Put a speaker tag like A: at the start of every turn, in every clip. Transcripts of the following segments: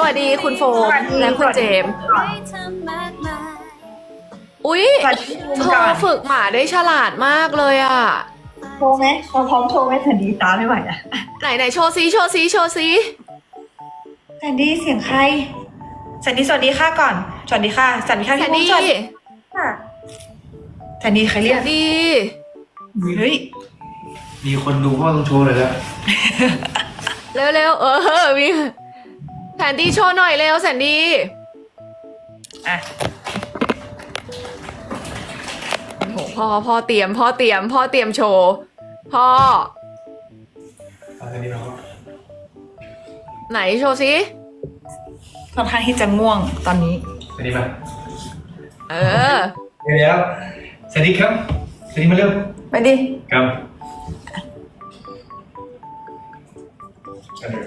A: วัสดีคุณโฟมและคุณเจมส์อุ๊ยเธอฝึกหมาได้ฉลาดมากเลยอ่ะ
B: โชว์ไหมเราพร้อมโชว์ไหมทันดีตาไม่ไหวอะ
A: ไหนโชว์ซิโชว์ซิโชว์ซิ
B: ทันดีเสียงใครสันดีสวัสดีค่ะก่อนสวัสดีค่ะสวัสดีค่ะ
A: แคนดี้
B: ค่ะทันดีใครเรียก
A: ดี
B: เฮ้ย
C: มีคนดูพ่อต้องโชว์เลยแล้ว
A: เร็วมีแซนดี้โชว์หน่อยเร็วแซนดี้
B: อ่ะ
A: โหพ่อเตรียมโชว์พ่อ
C: อันนี้เราก็
A: ไหนโชว์ซิ
B: ค่อนข้างที่จะง่วงตอนนี้
C: อันนี้มา
A: เออ
C: เดี๋ยวสวัสดีครับสวัสดีมาเร็ว
B: ไปดิ
C: ครับอันนี้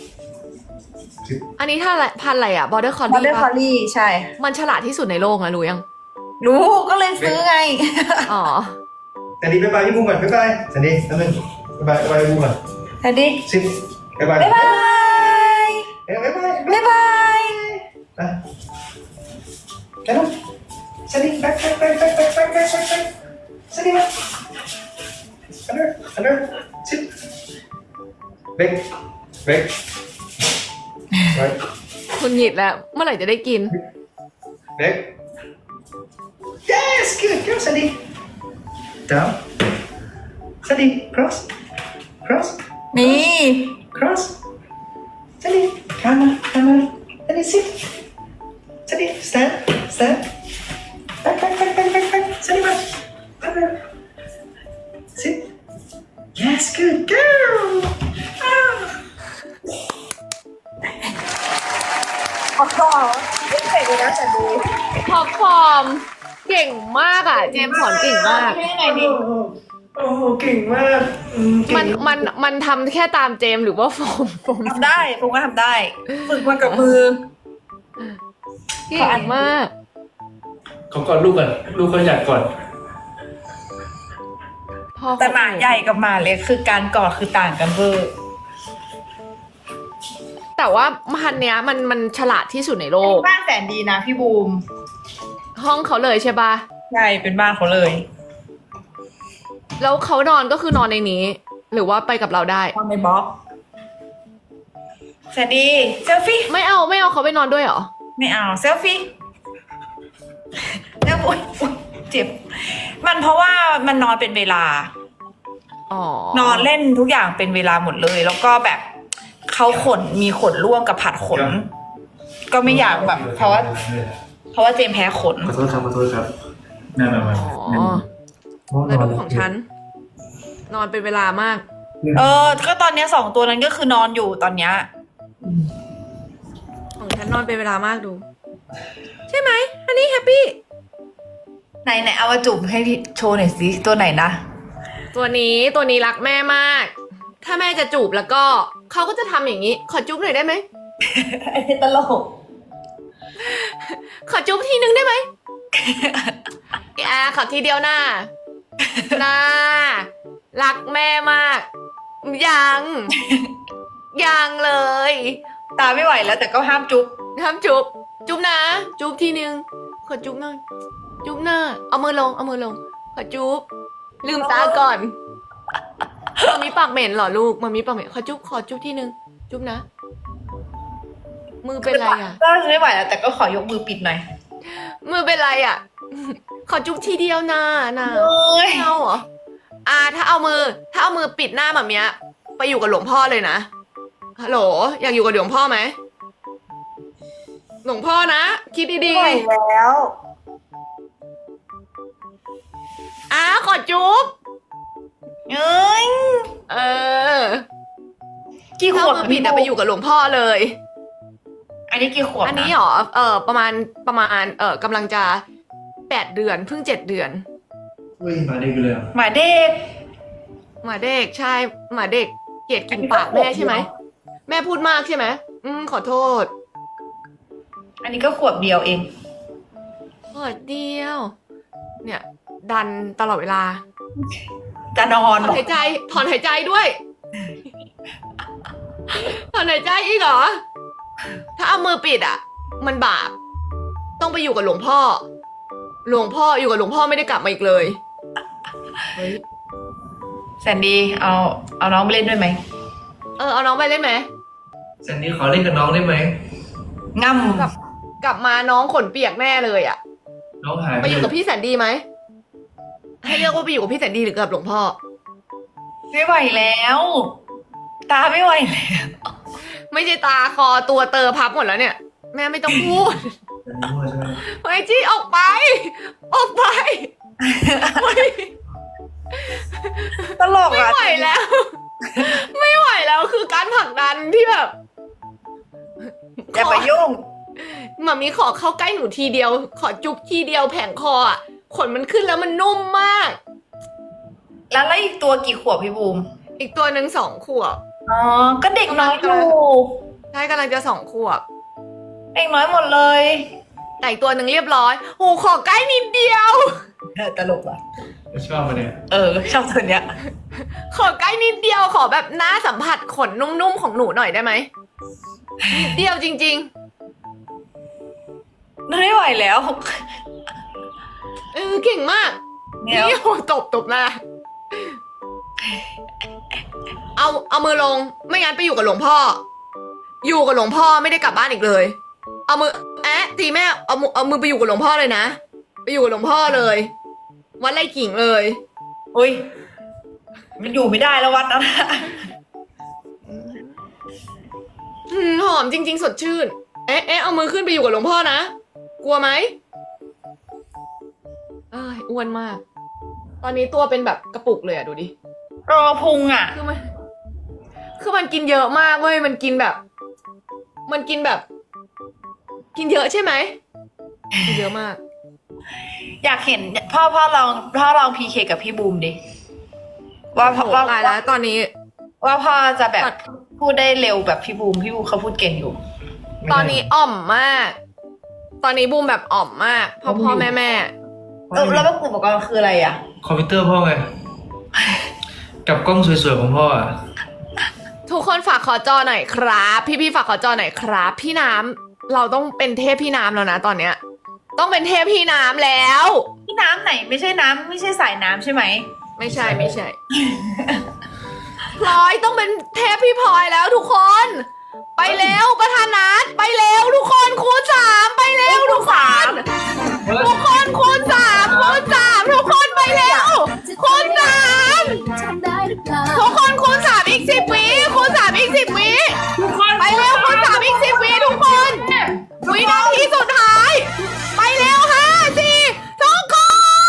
A: อันนี้ถ้าพันธุ์อะไรอ่ะ border
B: บอ
A: collie
B: เดอร์คอ
A: ปะ
B: ลลี่ใช่
A: มันฉลาดที่สุดในโลกนะรู้ยัง
B: รู้ก็เลยซื้อไง
A: อ๋อ
C: สวัสดีบ๊ายบายพี่บูมก่อนบ๊ายบายสวัสดีน้ำหนึ่งบ๊ายบายพี่บูมก่อน
B: ทันดี
C: สิบบ๊ายบาย
B: บ๊ายบาย
C: บ๊ายบาย
B: บ๊ายบาย
C: ไปแล้วสวัสดีแบ็คสวัสดีมาอันเดอร์สิบเบรกไป
A: คุณหยิดแล้ว เมื่อไหร่จะได้กิน
C: Back. Yes, good. Go, Sandy. Down. Sandy, cross.
B: นี่
C: Cross. Sandy, come on. Sandy, sit. Sandy, stand. Back. Sandy, back. Sit. Yes, good. Go. Ah.
B: อ๋อไม่เสร็จเลยนะทันดี
A: ท็อปฟอร์มเก่งมากอ่ะ เจมส์สอนเก่งมาก
B: ให้ยังไงดี
C: โอ้โหเก่งมากเก่ง
A: มันทำแค่ตามเจมส์หรือว่าโฟม
B: ทำได้ผมก็ทำได้ ฝึกมากับมือ
A: เก่งมาก
C: เขาก่อนลูกก่อนลูกเขาอยากก่อน
A: พ่อ
B: แต่หมาใหญ่กับหมาเล็กคือการกอดคือต่างกันเวอร์
A: แต่ว่าพันธุ์เนี้ยมันฉลาดที่สุดในโลก
B: บ้านแสนดีนะพี่บูม
A: ห้องเขาเลยใช่ปะ
B: ใช่เป็นบ้านเขาเลย
A: แล้วเขานอนก็คือนอนในนี้ หรือว่าไปกับเราได้
B: ตอนในบล็อกแสนดีเซลฟี่
A: ไม่เอาเขาไปนอนด้วยเหรอ
B: ไม่เอาเซลฟี่แล้วอุ๊ยเจ็บ มันเพราะว่ามันนอนเป็นเวลา
A: อ๋อ
B: นอนเล่นทุกอย่างเป็นเวลาหมดเลย แล้วก็แบบเขามีขนร่วงกับผัดขน ก็ไม่อยากแบบ เพราะว่าเจมส์แพ้ขน
C: ขอโทษครับนั่นแหละมัน
A: อ๋อแล้วดูของฉัน นอนเป็นเวลามาก
B: ก็ตอนเนี้ย2 ตัวนั้นก็คือนอนอยู่ตอนเนี้ย
A: ของฉันนอนเป็นเวลามากดู ใช่ไหม อันนี้แฮปปี้
B: ไหนเอามาจุ่มให้พี่โชว์หน่อยสิตัวไหนนะ
A: ตัวนี้รักแม่มาก ถ้าแม่จะจูบแล้วก็เขาก็จะทำอย่างนี้ ขอจุ๊บหน่อยได้ไหม
B: ไอ้ตลก
A: ขอจุ๊บทีนึงได้ไหม ขอทีเดียวน่ารักแม่มาก ยังเลย
B: ตาไม่ไหวแล้วแต่ก็ห้ามจุ๊บ
A: ทำจุ๊บนะ จุ๊บทีนึง ขอจุ๊บหน่อย จุ๊บหน้า เอามือลง ขอจุ๊บ ลืมตาก่อนมันมีปากเหม็นเหรอลูกมันมีปากเหม็นขอจุ๊บทีนึง จุ๊บนะ มือเป็นไรอ่ะ
B: ก็ไม่ไหวแล้วแต่ก็ขอยกมือปิดหน่อย
A: มือเป็นไรอ่ะ ขอจุ๊บทีเดียวนะ
B: เอ้ย
A: ไม่เอาเหรอถ้าเอามือปิดหน้าแบบเนี้ย ไปอยู่กับหลวงพ่อเลยนะ ฮัลโหล อยากอยู่กับหลวงพ่อไหม หลวงพ่อนะ คิดดี
B: ไม่ไหวแล้ว
A: ๆขอจุ๊บ
B: เอ้ย
A: เออ
B: กี่ข
A: ถ้าว
B: บ
A: มือปิดอะไปอยู่กับหลวงพ่อเลย
B: อันนี้กี่ขวบ
A: อันนี้หรอ ประมาณกำลังจะ8 เดือน เพิ่ง7 เดือน
C: เฮ้ยมาได้กันเลยอ่ะ
B: หมาเด็ก
A: หมาเด็กใช่ หมาเด็กเกลียดกินปากแม่ใช่ไหม แม่พูดมากใช่ไหมขอโทษ
B: อันนี้ก็ขวบเดียวเอง
A: ขอเดียว เนี่ย ดันตลอดเวลา
B: จะนอ
A: ถ
B: น
A: อนหายใจด้วย ถอนหายใจอีกเหรอถ้าเอามือปิดอ่ะ มันบาป ต้องไปอยู่กับหลวงพ่อ หลวงพ่ออยู่กับหลวงพ่อไม่ได้กลับมาอีกเลยเฮ้ย
B: แซนดี้เอาน้องไปเล่นด้วยไหม
A: เอาน้องไปเล่นไหม
C: แซนดี้ขอเล่นกับน้องได้ไหม
B: ง่
A: กลับมาน้องขนเปียกแน่เลยอ่ะ
C: น้องหาย
A: ไปอยู่กับพี่แสนดีไหม ให้เลือกว่าไปอยู่กับพี่แสนดีหรือกับหลวงพ่อ
B: ำไม่ไหวแล้ว ตาไม่ไหวแล้ว
A: ไม่ใช่ตาคอตัวเตอพับหมดแล้วเนี่ย แม่ไม่ต้องพูด
C: แซนดี้มั่วใช่ไหม
A: เฮ้ยจี้ออกไป ออกไปไม่
B: ตลก
A: ไม่
B: อ่ะ
A: ไหวแล้ว ไม่ไหวแล้วคือการผลักดันที่แบบ
B: อย่าไปยุ่ง
A: หมามีขอเข้าใกล้หนูทีเดียว ขอจุ๊บทีเดียวแผงคออ่ะขนมันขึ้นแล้วมันนุ่มมาก
B: แล้วอีกตัวกี่ขวบพี่บูม
A: อีกตัวหนึ่ง2 ขวบ
B: อ๋อ ก็เด็กน้อยอยู่
A: ใช่กำลังจะ2 ขวบ
B: เด็กน้อยหมดเลย
A: แต่อีกตัวหนึ่งเรียบร้อยโอ้ขอใกล้นิดเดียว
B: ตลกอ่ะ
C: ชอบมาเนี่ย
B: ชอบตัวเนี้ย
A: ขอใกล้นิดเดียวขอแบบหน้าสัมผัสขนนุ่มๆของหนูหน่อยได้ไหมนิดเดียวจริง
B: ไม่ไหวแล้ว
A: เก่งมาก
B: เนี่ย
A: นี่โอ้ตบหน้าเอามือลงไม่งั้นไปอยู่กับหลวงพ่อ อยู่กับหลวงพ่อไม่ได้กลับบ้านอีกเลย เอามือตีแม่เอามือไปอยู่กับหลวงพ่อเลยนะไปอยู่กับหลวงพ่อเลยวัดไร่ขิงเลย
B: อุ้ย มันอยู่ไม่ได้แล้ววัดนั้น
A: หอมจริง ๆ สดชื่นเอามือขึ้นไปอยู่กับหลวงพ่อนะกลัวไหมอ้วนมาก ตอนนี้ตัวเป็นแบบกระปุกเลยอะดูดิ
B: รอพุงอ่ะ
A: คือมันกินเยอะมากเว้ยมันกินแบบ กินเยอะใช่ไหมกินเยอะมาก
B: อยากเห็นพ่อลองพีเคกับพี่บูมดิว่า
A: โอ้โหตายแล้วตอนนี้
B: ว่าพ่อจะแบบ
A: ตัด
B: พูดได้เร็วแบบพี่บูมเขาพูดเก่งอยู่
A: ตอนนี้อ่อมมาก ตอนนี้บูมแบบอ่อมมากพ่อแม่
B: แล้วอุปกรณ์คืออะไรอ่ะ
C: คอมพิวเตอร์พ่อไง กับกล้องสวยๆของพ่ออ่ะ
A: ทุกคนฝากขอจอหน่อยครับ พี่ฝากขอจอหน่อยครับ พี่น้ำเราต้องเป็นเทพพี่น้ำแล้วนะตอนเนี้ย ต้องเป็นเทพพี่น้ำแล้ว
B: พี่น้ำไหนไม่ใช่สายน้ำใช่ไหม
A: ไม่ใช่ พลอยต้องเป็นเทพพี่พลอยแล้วทุกคน ไปเร็วประธานัทไปเร็วทุกคนคูณ3ไปเร็วทุกคนทุกคนคูณ3ทุกคนไปเร็วคูณ3ทุกคนคูณ3อีก10 วิคูณ3อีก10 วิไปเร็วคูณ3อีก10 วิทุกคนวินาทีสุดท้ายไปเร็ว5 4ทุกคน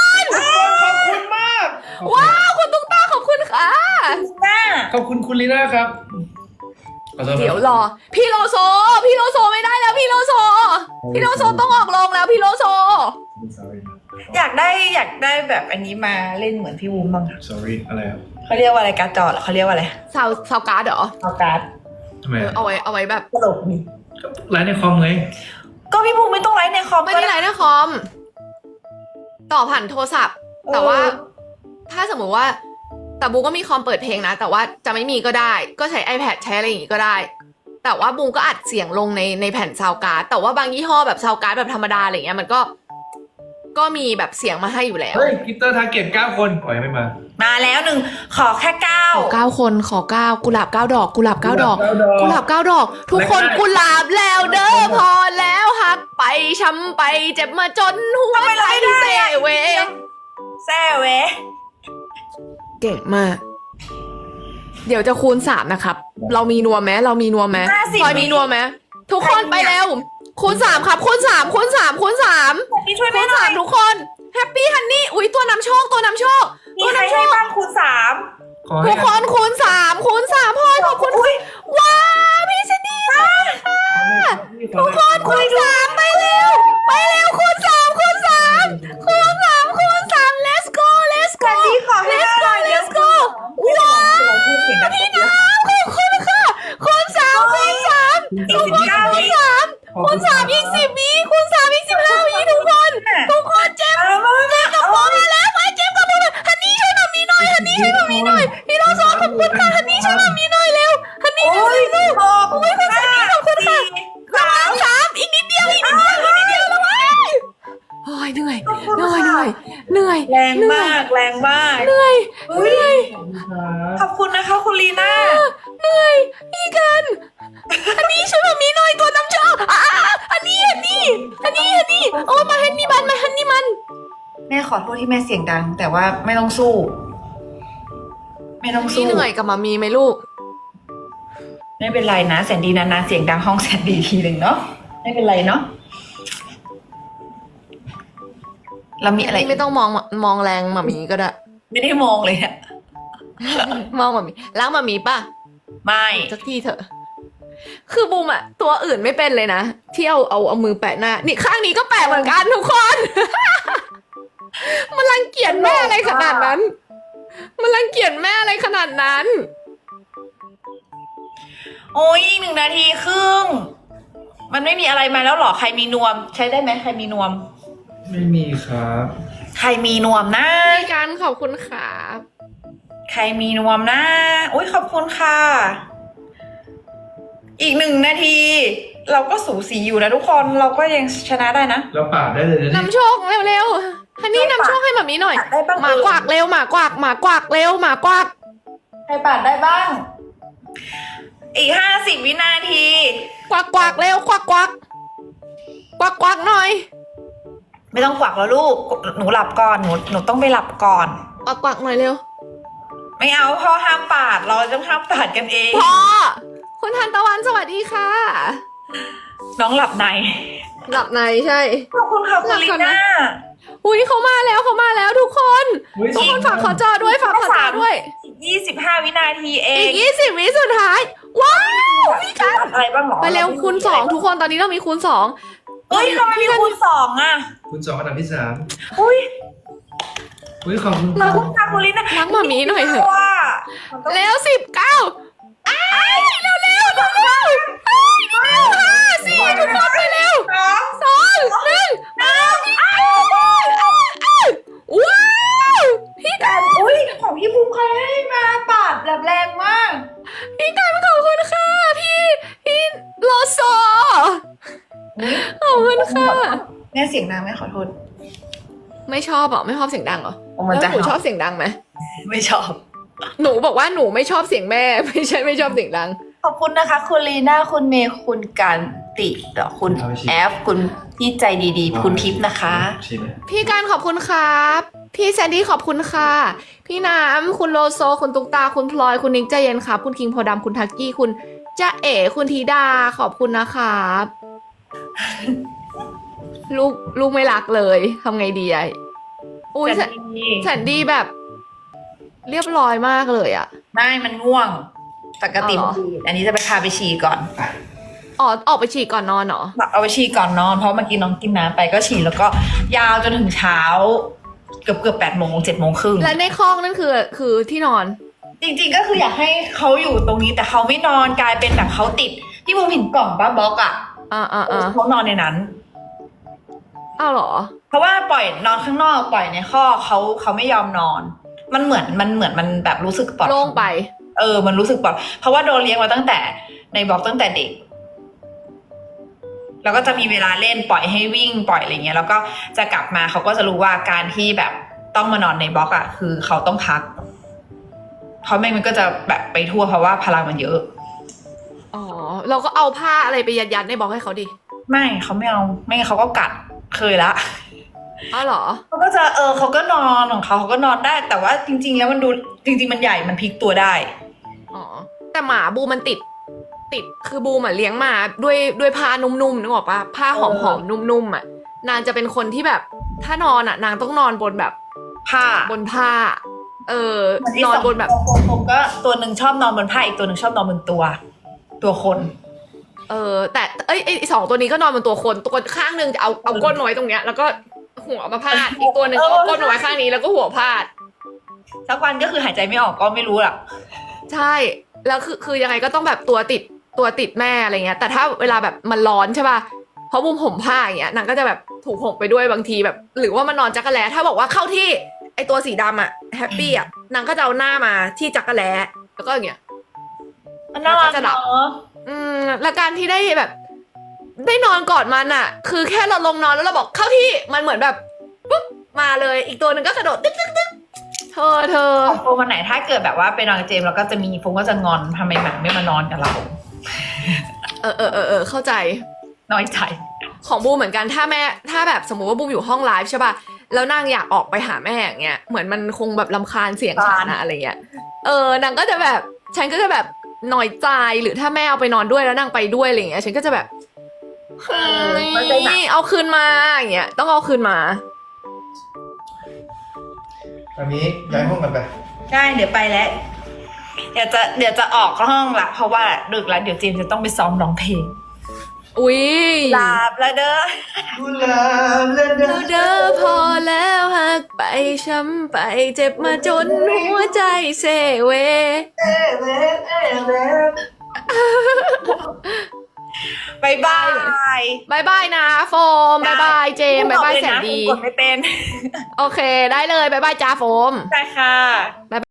C: ขอบคุณมาก
A: ว้าวคุณตุ๊กตาขอบคุณค่ะ
C: ขอบคุณคุณลีน่าครับขอโทษครับ
A: เดี๋ยวรอพี่โลโซไม่ได้แล้วพี่โลโซต้องออกโรงแล้วพี่โลโซ
B: อยากได้แบบอันนี้มาเล่นเหมือนพี่บูมบ้างอะ
C: sorry อะไรครับ
B: เขาเรียกว่าอะไรการ์ดจอเหรอเขาเรียกว่าอะไร
A: ซาวการ์ดเหรอ
B: เอาการ์ด
C: ทำไมอ่ะ
A: เอาไว้แบบ
B: ตลกดี
C: ก็ไลฟ์ในคอมไง
B: ก็พี่บูมไม่ต้องไลฟ์ในคอม
A: ไม่ได้ไลน์นะคอม ต่อผ่านโทรศัพท์ แต่ว่า ถ้าสมมติว่าแต่บูก็มีคอมเปิดเพลงนะ แต่ว่าจะไม่มีก็ได้ ก็ใช้ iPad ใช้อะไรอย่างงี้ก็ได้ แต่ว่าบูก็อัดเสียงลงในแผ่นซาวการ์ดแต่ว่าบางยี่ห้อแบบซาวการ์ดแบบธรรมดาอะไรเงี้ยมันก็มีแบบเสียงมาให้อยู่แล้ว
C: เฮ้ยพีเตอร์ทาร์เก็ต9 คนปล่อยไม่มา
B: มาแล้วขอแค่
A: ขอ 9 คนขอ 9กุหลาบ 9 ดอกกุหลาบ 9 ดอก กุหลาบ 9 ดอก ทุกคน
C: แล้วก็
A: กุหลาบแล้วเด้อพอแล้วหักไปช้ำไปเจ็บมาจนหัวใจเซเว
B: แซ่เว
A: เก่งมาก เดี๋ยวจะคูณ3นะครับ เรามีนัวไหมพลอยมีนัวไหมทุกคนไปเร็วคูณ3ครับคูณ3คูณ3คูณ3
B: พี่ช่วย
A: คู
B: แม่
A: ณ
B: หน่อย
A: 3ทุกคนแฮปปี้ฮันนี่อุ้ยตัวนำโชค
B: มีใครให้บ้างคูณ3
C: ขอให้
A: ทุกคนคูณ3คูณ3พลอยขอบคุณว้าวพี่ชนีทุกคนคูณ3ไปเร็วคูณ3คูณ3คูณ3คูณ3 let's go
B: พี่ขอให้ได้หน่อย
A: let's go ว้าวพี่น้ำขอบคุณค่ะคูณ3คูณ3
B: อีก19 วิ
A: คูณ3อีก10 วิคูณ3อีก15 วิทุกคนเจ็บกับโบมาแล้วมาเจ็บกับโบมาฮันนี่ช่วยหน่อยมีหน่อยพี่โลโซขอบคุณค่ะฮันนี่ช่วยหน่อยมีหน่อยเร็วฮัน
B: รงมาก
A: เหนื่อย
B: อุ้ย
C: ขอบคุณครับ
B: ขอบคุณนะคะคุณลีน่า
A: เหนื่อยพี่กัน อันนี้ช่วยมามีหน่อยตัวน้ำชอบอันนี้โอ้มาฮันนี่มัน
B: แม่ขอโทษที่แม่เสียงดัง แต่ว่าไม่ต้องสู้ ไม่ต้อง
A: พี่
B: สู้
A: เหนื่อยกับมามีไหมลูก
B: ไม่เป็นไรนะแสนดีนานๆเสียงดังห้องแสนดีทีหนึ่งเนาะไม่เป็นไรเนาะเรามีอะไร
A: ไม่ต้องมองแรงมามีก็ได้
B: ไม่ได้มองเลยอะ
A: มองมามีล้างมามีป่ะ
B: ไม่
A: สักทีเถอะ คือบูมอะตัวอื่นไม่เป็นเลยนะที่เอามือแปะหน้า นี่ข้างนี้ก็แปะเหมือนกันทุกคน มันรังเกียจแม่อะไรขนาดนั้น มันรังเกียจแม่อะไรขนาดนั้น
B: โอ้ย1 นาทีครึ่งมันไม่มีอะไรมาแล้วหรอใครมีนวม ใช้ได้ไหมใครมีนวม
C: ไม่มีครับ
B: ใครมีนวมนะ
A: พี่การขอบคุณครับ
B: ใครมีนวมนะอุ้ยขอบคุณค่ะ อีก1 นาที เราก็สูสีอยู่นะทุกคนเราก็ยังชนะได้นะ
C: เราปาดได้เลยนะนี่
A: นำโชคเร็วๆฮันนี่นำโชคให้แบบนี้หน่อย
B: ได้บ้าง
A: หมากวากเร็วหมากวากเร็วหมากวาก
B: ใครปาดได้บ้าง อีก50 วินาที
A: กวากเร็วกวากหน่อย
B: ไม่ต้องกวักแล้วลูกหนูหลับก่อนหนูต้องไปหลับก่อน
A: กวากหน่อยเร็ว
B: ไม่เอาพ่อห้ามปาดเราต้องห้ามปาดกันเอง
A: พ่อคุณทันตะวันสวัสดีค่ะ
B: น้องหลับใน
A: หลับในใช่
B: ขอบคุณค่ะคุณลีน่า
A: อุ้ยเขามาแล้วทุกคน
C: อุ๊ย
A: ทุกคนฝากขอจอด้วยฝากขอจอด้วย
B: 25 วินาทีเอ
A: อี
B: ง
A: ก20 วิสุดท้าย ว้าวพี่กัน
B: อะไรบ้างหรอ
A: ไปเร็วคูณ2ทุกคนตอนนี้เรามีคูณ2
B: เฮ้ยทำไมมีคูณ2อ่ะ
C: คุณ2อันดับที่3
B: อุ้ย
C: อุ้ยขอบคุณ
B: ขอบคุณค่ะคุณลีน่า
A: ล้างหมามีหน่อยเถอะ
B: ว่า
A: เร็ว19อ้ายเร็ว5 4ทุกคนไปเร็ว 2 1ว้าวพี่กัน
B: อุ้ยของพี่ภูมิใครให้มาปาดแบบแรงมาก
A: พี่กันขอบคุณค่ะพี่โลโซขอบคุณค่ะ
B: แม่เสียงดังไหมขอโทษ
A: ไม่ชอบเหรอไม่ชอบเสียงดังเหรอ
B: มัน
A: แล้ว
B: จะ
A: หนูชอบเสียงดังไหม
B: ไม่ชอบ
A: หนูบอกว่าหนูไม่ชอบเสียงแม่ ไม่ใช่ไม่ชอบเสียงดัง
B: ขอบคุณนะคะ คุณลีน่าคุณเมย์คุณกันติคุณแอฟคุณพี่ใจดีๆ คุณทิพย์นะคะ
C: ชิมไหม
A: พี่การขอบคุณครับ พี่แซนดี้ขอบคุณค่ะ พี่น้ำคุณโลโซ คุณตุ๊กตา คุณพลอย คุณนิกใจเย็นครับ คุณคิงโพดำคุณทักกี้ คุณจ้าเอ๋คุณธีดา ขอบคุณนะครับ ลูกไม่รักเลยทำไงดีอะอุ้ยแซนดี้แบบ เรียบร้อยมากเลยอะ
B: ไม่มันง่วงปกติ
A: อ๋อ
B: อันนี้จะไปพาไปฉี่ก่อน
A: อ๋อออกไปฉี่ก่อนนอนเหรอ
B: เอาไปฉี่ก่อนนอนเพราะเมื่อกี้น้องกินน้ำไปก็ฉี่แล้วก็ยาวจนถึงเช้า เกือบ8 โมง 7 โมงครึ่ง
A: และในคลองนั่นคือที่นอน
B: จริงๆก็คืออยากให้เขาอยู่ตรงนี้แต่เขาไม่นอนกลายเป็นแบบเขาติดที่มุมเห็นกล่องป้าบล็อกอ่ะ เขานอนในนั้น
A: อ้าวเหรอ
B: เพราะว่าปล่อยนอนข้างนอกปล่อยในข้อกเขาไม่ยอมนอน มันเหมือนมันแบบรู้สึกปลอด
A: โล่งไป
B: มันรู้สึกปลอดเพราะว่าโดนเลี้ยงมาตั้งแต่ในบล็อกตั้งแต่เด็ก แล้วก็จะมีเวลาเล่นปล่อยให้วิ่งปล่อยอะไรเงี้ยแล้วก็จะกลับมาเขาก็จะรู้ว่าการที่แบบต้องมานอนในบล็อกอ่ะคือเขาต้องพักเพราะไม่มันก็จะแบบไปทั่วเพราะว่าพลังมันเยอะ
A: อ๋อ เราก็เอาผ้าอะไรไปยัดในบล็อกให้เขาดิ
B: ไม่เขาไม่เอาไม่งั้นเขาก็กัดเคยละ
A: อ้าวเหรอ
B: เขาก็จะเขาก็นอนของเขาก็นอนได้ แต่ว่าจริง ๆ แล้วมันดูจริง ๆ มันใหญ่มันพลิกตัวได้
A: อ๋อ แต่หมาบูมันติดคือบูมอะเลี้ยงมาด้วยผ้านุ่มๆนึกออกปะผ้าหอมๆนุ่มๆอะนางจะเป็นคนที่แบบ ถ้านอนอะนางต้องนอนบนแบบ
B: ผ้า
A: บนผ้า นอนบนแบบ
B: ผมก็ตัวหนึ่งชอบนอนบนผ้าอีกตัวหนึ่งชอบนอนบนตัวคน
A: แต่ไอ้สองตัวนี้ก็นอนบนตัวคนตัวข้างหนึ่งจะเอาก้นไว้ตรงเนี้ย แล้วก็หัวมาพาดอีกตัวหนึ่งก็เอาก้นไว้ข้างนี้แล้วก็หัวพาด
B: สักวันก็คือหายใจไม่ออกก็ไม่รู้หรอก
A: ใช่แล้วคือยังไงก็ต้องแบบตัวติดแม่อะไรเงี้ยแต่ถ้าเวลาแบบมันร้อนใช่ป่ะเพราะบุมห่มผ้าอย่างเงี้ยนางก็จะแบบถูกห่มไปด้วยบางทีแบบ หรือว่ามันนอนจักรแล้ถ้าบอกว่าเข้าที่ไอตัวสีดำอะแฮปปี้อะนางก็จะเอาหน้ามาที่จักรแล้แล้วก็อย่างเงี้ย
B: มันน่ารัก
A: จะหลับ
B: เนาะ
A: และการที่ได้แบบ ได้นอนกอดมันอะคือแค่เราลงนอนแล้วเราบอกเข้าที่มันเหมือนแบบปุ๊บมาเลยอีกตัวหนึ่งก็กระโดดตึ๊กเธอ
B: โฟมวันไหนถ้าเกิดแบบว่าไปนอนกับเจมส์แล้วก็จะมีโฟมก็จะงอนทำไมหมาไม่มานอนกับเรา
A: เข้าใจ
B: น้อยใจ
A: ของบูมเหมือนกันถ้าแบบสมมุติว่าบูมอยู่ห้องไลฟ์ใช่ป่ะแล้วนางอยากออกไปหาแม่อย่างเงี้ยเหมือนมันคงแบบรำคาญเสียงฉันอะอะไรเงี้ยนางก็จะแบบฉันก็จะแบบหน่อยใจหรือถ้าแม่เอาไปนอนด้วยแล้วนางไปด้วยอะไรเงี้ยฉันก็จะแบบเฮ้ยเอาคืนมาอย่างเงี้ยต้องเอาคืนมา
C: อันนี้ย้ายห้องกันไป
B: ได้เดี๋ยวไปแล้ว เดี๋ยวจะออกห้องละเพราะว่าดึกแล้วเดี๋ยวเจมส์จะต้องไปซ้อมร้องเพลง
A: อุ๊ย
B: ลาบแล้วเด้อ
C: กุหลาบและดา
A: เราเด้อพอแล้วหักไปช้ำไปเจ็บมาจนหัวใจเซเว
B: บายบาย
A: บายบายนะโฟมบายบายเจมบายบายแสนดี
B: กดไม่เป็น
A: โอเคได้เลยบายบายจ้าโฟม
B: ใช่ค่ะ